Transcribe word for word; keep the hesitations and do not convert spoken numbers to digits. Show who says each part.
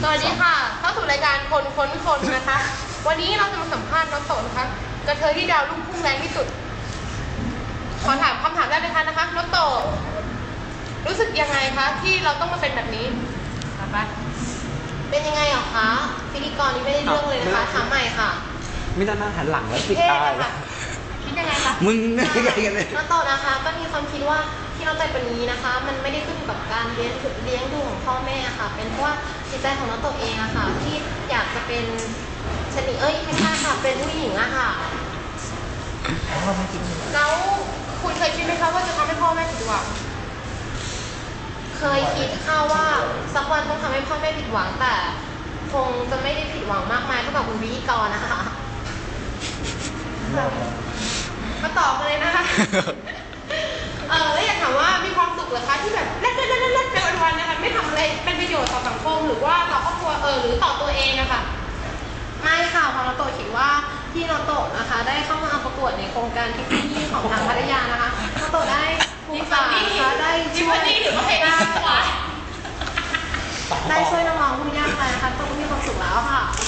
Speaker 1: สวัสดีค่ะเข้าสู่รายการคนค้นคนนะคะวันนี้เราจะมาสัมภาษณ์น้องโตนะคะกระเทยที่ดาวรุ่งพุ่งแรงที่สุดขอถามคำถามแรกเลยค่ะนะคะน้องโตรู้สึกยังไงคะที่เราต้องมาเป็นแบบนี้คะเป็นยังไงหรอคะพิธีกรนี่ไม่ได้เรื่องเลยนะคะถามใหม่ค่ะ
Speaker 2: ไม่ต้องนั่งหันหลังแล้วปิดตาเลย
Speaker 1: คิดยังไงคะ
Speaker 2: มึงยังไงกันเลย
Speaker 1: น้องโตนะคะก็มีความคิดว่าที่เราใจเป็นนี้นะคะมันไม่ได้ขึ้นอยู่กับการเลี้ยงเลี้ยงดูของพ่อแม่ค่ะเป็นเพราะว่าจิตใจของน้องโตเองอะค่ะที่อยากจะเป็นชนิดเอ้ยไม่ใช่ค่ะเป็นผู้หญิงอะค่ะแล้วคุณเคยคิดไหมคะว่าจะทำให้พ่อแม่ผิดหวังเคยคิดค่ะว่าสักวันต้องทำให้พ่อแม่ผิดหวังแต่คงจะไม่ได้ผิดหวังมากมายเท่ากับคุณพิธีกรนะคะมาตอบเลยนะคะเออแล้วอยากถามว่ามีความสุขเหรอคะที่แบบเล่นเล่นเล่นเล่นเป็นวันๆนะคะไม่ทำอะไรเป็นประโยชน์ต่อสังคมหรือว่าต่อครอบครัวเออหรือต่อตัวเองอะค่ะไม่ค่ะพอเราโตคิดว่าที่เราโตนะคะได้เข้ามาประกวดในโครงการที่ที่ของทางพัทยานะคะเราโตได้ภูมิใจนะคะได้ช่วยได้ได้ช่วยน้องๆผู้ยากไร้นะคะโตก็มีความสุขแล้วค่ะ